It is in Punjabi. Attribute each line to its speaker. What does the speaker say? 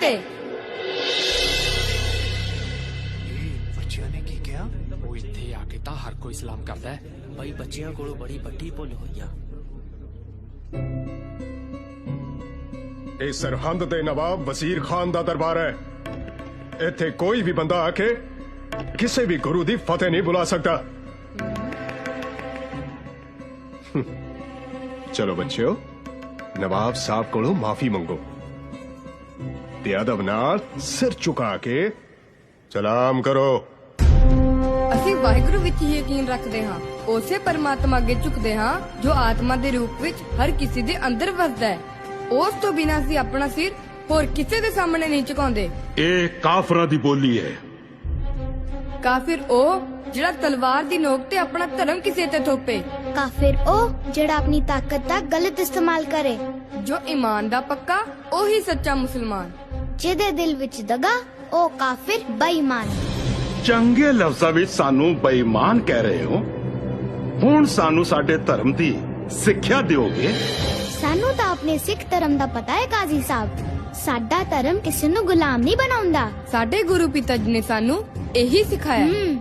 Speaker 1: ਸਕਦੇ।
Speaker 2: ਬੱਚਿਆਂ ਨੇ ਕੀ ਕਿਹਾ?
Speaker 3: ਉਹ ਇੱਥੇ ਆ ਕੇ ਤਾਂ ਹਰ ਕੋਈ ਸਲਾਮ ਕਰਦਾ ਹੈ।
Speaker 4: ਬਈ ਬੱਚਿਆਂ ਕੋਲੋਂ ਬੜੀ ਵੱਡੀ ਭੁੱਲ ਹੋਈ ਆ।
Speaker 5: ਇਹ ਸਰਹੰਦ ਦੇ ਨਵਾਬ ਵਜ਼ੀਰ ਖਾਨ ਦਾ ਦਰਬਾਰ ਹੈ। ਇੱਥੇ ਕੋਈ ਵੀ ਬੰਦਾ ਆ ਕੇ ਕਿਸੇ ਵੀ ਗੁਰੂ ਦੀ ਫਤਿਹ ਨਹੀਂ ਬੁਲਾ ਸਕਦਾ। ਚਲੋ ਬੱਚਿਓ, ਨਵਾਬ ਸਾਹਿਬ ਕੋਲੋਂ ਮਾਫੀ ਮੰਗੋ ਤੇ ਅਦਬ ਨਾਲ ਸਿਰ ਝੁਕਾ ਕੇ ਸਲਾਮ ਕਰੋ।
Speaker 1: ਅਸੀਂ ਵਾਹਿਗੁਰੂ ਵਿੱਚ ਹੀ ਯਕੀਨ ਰੱਖਦੇ ਹਾਂ, ਉਸੇ ਪਰਮਾਤਮਾ ਅੱਗੇ ਝੁਕਦੇ ਹਾਂ ਜੋ ਆਤਮਾ ਦੇ ਰੂਪ ਵਿੱਚ ਹਰ ਕਿਸੇ ਦੇ ਅੰਦਰ ਵਸਦਾ ਹੈ। ਉਸ ਤੋਂ ਬਿਨਾਂ ਅਸੀਂ ਆਪਣਾ ਸਿਰ ਹੋਰ ਕਿਸੇ ਦੇ ਸਾਹਮਣੇ ਨਹੀਂ ਝੁਕਾਉਂਦੇ।
Speaker 6: ਇਹ ਕਾਫਰਾਂ ਦੀ ਬੋਲੀ ਹੈ।
Speaker 1: ਕਾਫਿਰ ਉਹ ਜਿਹੜਾ ਤਲਵਾਰ ਦੀ ਨੋਕ ਤੇ ਆਪਣਾ ਧਰਮ ਕਿਸੇ ਤੇ ਥੋਪੇ।
Speaker 7: ਕਾਫਿਰ ਉਹ ਜਿਹੜਾ ਆਪਣੀ ਤਾਕਤ ਦਾ ਗਲਤ ਇਸਤੇਮਾਲ ਕਰੇ।
Speaker 1: ਜੋ ਈਮਾਨ ਦਾ ਪੱਕਾ ਉਹੀ ਸੱਚਾ ਮੁਸਲਮਾਨ।
Speaker 7: ਜਿਹਦੇ ਦਿਲ ਵਿੱਚ ਦਗਾ ਉਹ ਕਾਫਿਰ ਬੇਈਮਾਨ।
Speaker 6: ਚੰਗੇ ਲਫ਼ਜ਼ਾਂ ਵਿੱਚ ਸਾਨੂੰ ਬੇਈਮਾਨ ਕਹਿ ਰਹੇ ਹੋ। ਹੁਣ ਸਾਨੂੰ ਸਾਡੇ ਧਰਮ ਦੀ ਸਿੱਖਿਆ ਦਿਓਗੇ?
Speaker 7: ਸਾਨੂੰ ਤਾਂ ਆਪਣੇ ਸਿੱਖ ਧਰਮ ਦਾ ਪਤਾ ਹੈ ਕਾਜ਼ੀ ਸਾਹਿਬ। ਸਾਡਾ ਧਰਮ ਕਿਸੇ ਨੂੰ ਗੁਲਾਮ ਨਹੀਂ ਬਣਾਉਂਦਾ।
Speaker 1: ਸਾਡੇ ਗੁਰੂ ਪਿਤਾ ਜੀ ਨੇ ਸਾਨੂੰ ਇਹੀ ਸਿਖਾਇਆ।